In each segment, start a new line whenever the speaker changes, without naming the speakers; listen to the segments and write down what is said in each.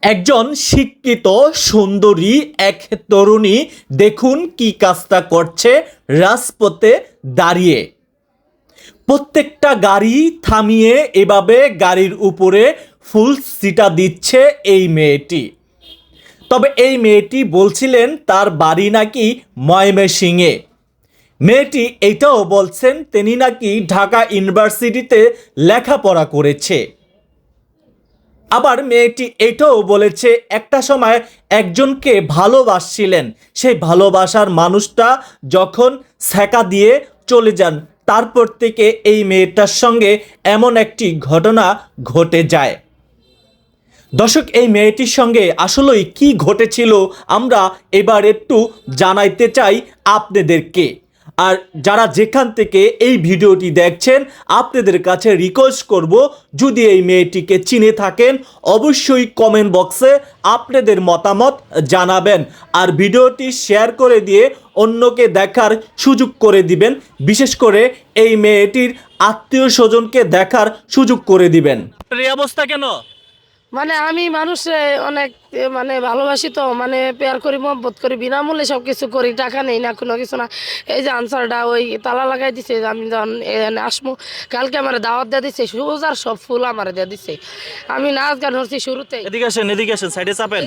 একজন শিক্ষিত সুন্দরী এক তরুণী দেখুন কি কাজটা করছে রাজপথে দাঁড়িয়ে। প্রত্যেকটা গাড়ি থামিয়ে এভাবে গাড়ির উপরে ফুল ছিটা দিচ্ছে এই মেয়েটি। তবে এই মেয়েটি বলছিলেন তার বাড়ি নাকি ময়মনসিংহে। মেয়েটি এটাও বলছেন তিনি নাকি ঢাকা ইউনিভার্সিটিতে লেখাপড়া করেছে। আবার মেয়েটি এটাও বলেছে একটা সময় একজনকে ভালোবাসছিলেন, সেই ভালোবাসার মানুষটা যখন ছ্যাঁকা দিয়ে চলে যান তারপর থেকে এই মেয়েটার সঙ্গে এমন একটি ঘটনা ঘটে যায়। দর্শক, এই মেয়েটির সঙ্গে আসলেই কি ঘটেছিল আমরা এবার একটু জানাইতে চাই আপনাদেরকে। আর যারা যেখান থেকে এই ভিডিওটি দেখছেন আপনাদের কাছে রিকোয়েস্ট করব, যদি এই মেয়েটিকে চিনে থাকেন অবশ্যই কমেন্ট বক্সে আপনাদের মতামত জানাবেন। আর ভিডিওটি শেয়ার করে দিয়ে অন্যকে দেখার সুযোগ করে দিবেন, বিশেষ করে এই মেয়েটির আত্মীয় স্বজনকে দেখার সুযোগ করে দিবেন। এই অবস্থা কেন?
মানে আমি মানুষে অনেক ভালোবাসি, তো পেয়ার করি, মহব্বত করি, বিনামূল্যে সব কিছু করি, টাকা নেই না, কোনো কিছু না। এই যে আনসারটা ওই তালা লাগাই দিছে, আমি যখন এখানে আসবো, কালকে আমার দাওয়াত দিয়ে দিচ্ছে, সোজার সব ফুল আমার দিয়ে দিচ্ছে। আমি নাচ গান হচ্ছি শুরুতে।
এদিকে আসেন, এদিকে আসেন, সাইডে চাপেন।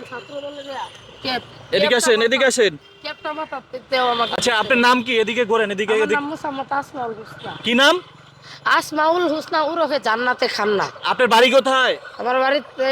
এদিকে আসেন, এদিকে আসেন। আচ্ছা, আপনার নাম কি? এদিকে ঘোরেন, এদিকে। কি নাম?
আসমাউল হুসনা উরফে জান্নাতে খান্না।
আপনার বাড়ি কোথায়?
আমার বাড়িতে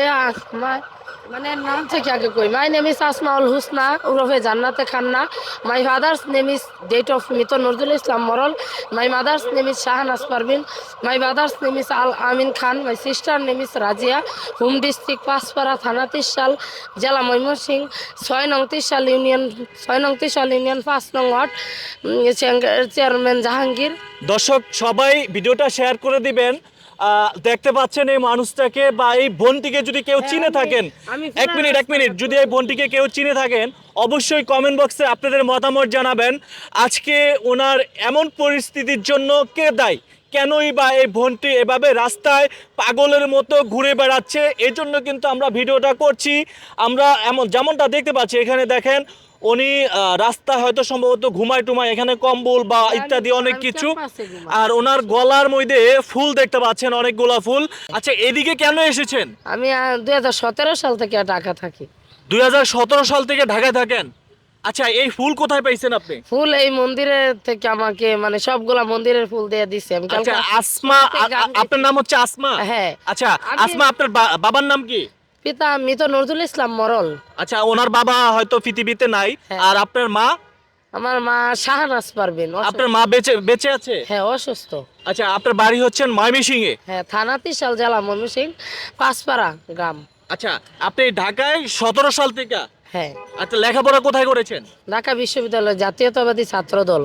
নাম থেকে আগে কই, my name is Asmaul Husna উরফে Jannate Khanna. My father's name is date of মৃত Nazrul Islam Morol. My mother's name is Shahnaz Parvin. My brother's name is Al Amin Khan. My sister name is Razia. Home district Panchpara, থানা ত্রিশাল, জেলা ময়মনসিংহ, 6নং ত্রিশাল ইউনিয়ন 5নং ওয়ার্ড, চেয়ারম্যান জাহাঙ্গীর।
দর্শক সবাই ভিডিওটা শেয়ার করে দিবেন। দেখতে পাচ্ছেন এই মানুষটাকে বা এই বোনটিকে যদি কেউ চিনে থাকেন, এক মিনিট, যদি এই বোনটিকে কেউ চিনে থাকেন অবশ্যই কমেন্ট বক্সে আপনাদের মতামত জানাবেন। আজকে ওনার এমন পরিস্থিতির জন্য কে দায়ী? কেনই বা এই বোনটি এভাবে রাস্তায় পাগলের মতো ঘুরে বেড়াচ্ছে? এই জন্য কিন্তু আমরা ভিডিওটা করছি। আমরা যেমনটা দেখতে পাচ্ছি এখানে দেখেন, উনি রাস্তা হয়তো সম্ভবত ঘুমায় টুমায়, এখানে কম্বল বা ইত্যাদি অনেক কিছু। আর ওনার গলার মধ্যে ফুল দেখতে পাচ্ছেন, অনেকগুলা ফুল। আচ্ছা, এদিকে কেন এসেছেন?
আমি 2017 সাল থেকে ঢাকা থাকি।
2017 সাল থেকে ঢাকায় থাকেন? আচ্ছা, এই ফুল কোথায় পাইছেন আপনি?
ফুল এই মন্দিরের থেকে আমাকে সবগুলা মন্দিরের ফুল দিয়ে দিছে। আমি
আচ্ছা, আসমা, আপনার নাম হচ্ছে আসমা?
হ্যাঁ।
আচ্ছা, আসমা, আপনার বাবার নাম কি?
পিতা মৃত নজরুল ইসলাম মরল।
আচ্ছা, ওনার বাবা হয়তো পৃথিবীতে নাই। আর আপনার মা?
আমার মা শাহনাজ পারভিন।
আপনার মা বেঁচে আছে?
হ্যাঁ, অসুস্থ।
আচ্ছা, আপনার বাড়ি হচ্ছেন ময়মনসিংহে?
হ্যাঁ, থানা ত্রিশাল, জেলা ময়মনসিংহ, পাঁচপাড়া গ্রাম।
আচ্ছা, আপনি ঢাকায় 17 সাল থেকে?
হ্যাঁ।
আচ্ছা, লেখাপড়া কোথায় করেছেন?
ঢাকা বিশ্ববিদ্যালয় জাতীয়তাবাদী ছাত্র দল।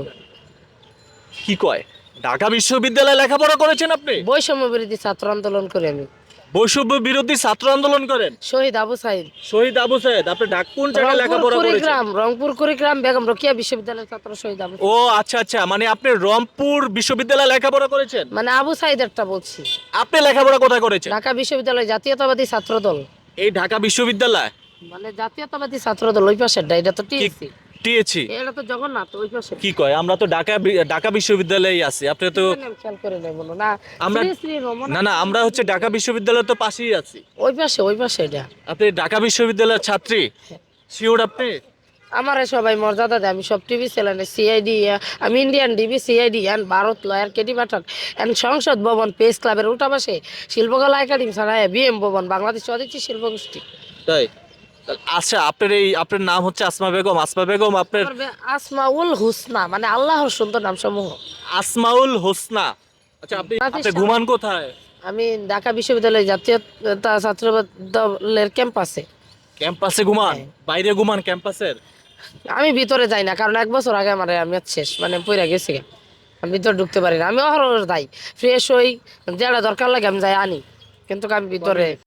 কি কয়? ঢাকা বিশ্ববিদ্যালয়ে লেখাপড়া করেছেন আপনি?
বৈষম্য বিরোধী ছাত্র আন্দোলন করি আমি।
বৈষম্য বিরোধী ছাত্র আন্দোলন করেন?
শহীদ আবু সাইদ।
শহীদ আবু সাইদ, আপনি কোন জায়গায় লেখাপড়া করেছেন?
রংপুর কুড়িগ্রাম বেগম রোকেয়া বিশ্ববিদ্যালয়ের ছাত্র শহীদ আবু।
ও আচ্ছা, মানে আপনি রংপুর বিশ্ববিদ্যালয়ে লেখাপড়া করেছেন?
আবু সাইদ একটা বলছি।
আপনি লেখাপড়া কোথায় করেছেন?
ঢাকা বিশ্ববিদ্যালয় জাতীয়তাবাদী ছাত্র দল।
এই ঢাকা বিশ্ববিদ্যালয়
জাতীয়তাবাদী ছাত্র দল ওই পাশের, এটা তো টিএসসি।
টিএসসি?
এটা তো জগন্নাথ ওই পাশে।
কি কয়? আমরা তো ঢাকা বিশ্ববিদ্যালয়েই আছি। আপনি তো
খেয়াল করে নেই বলো না।
না, আমরা হচ্ছে ঢাকা বিশ্ববিদ্যালয়ের তো পাশেই আছি।
ওই পাশে এটা।
আপনি ঢাকা বিশ্ববিদ্যালয়ের ছাত্রী? শিওর আপনি?
আমার সবাই মর্যাদা দেয়। আমি সব টিভি চ্যানেলে সিআইডি, আমি Indian DB, CID and Bharat lawyer, KD Pathak and Sansad Bhavan, press ক্লাবের উল্টা পাশে শিল্পকলা একাডেমি ছাড়ায় বিএম ভবন, বাংলাদেশ স্বদেশী শিল্পগোষ্ঠী।
তাই? আচ্ছা, আপনার নাম হচ্ছে আসমা বেগম? আসমা বেগম, আপনার?
আসমাউল হুসনা, আল্লাহর সুন্দর নাম সমূহ।
আসমাউল হোসনা। আচ্ছা, আপনি ঘুমান কোথায়?
আমি ঢাকা বিশ্ববিদ্যালয় জাতীয়তা ছাত্র দলের ক্যাম্পাসে।
ক্যাম্পাসে ঘুমান? বাইরে ঘুমান ক্যাম্পাসের?
আমি ভিতরে যাই না, কারণ 1 বছর আগে আমার আমি শেষ পইরা গেছি। আমি ভিতরে ঢুকতে পারি না। আমি অহরহ যাই, ফ্রেশ হই, যেটা দরকার লাগে আমি যাই আনি, কিন্তু আমি ভিতরে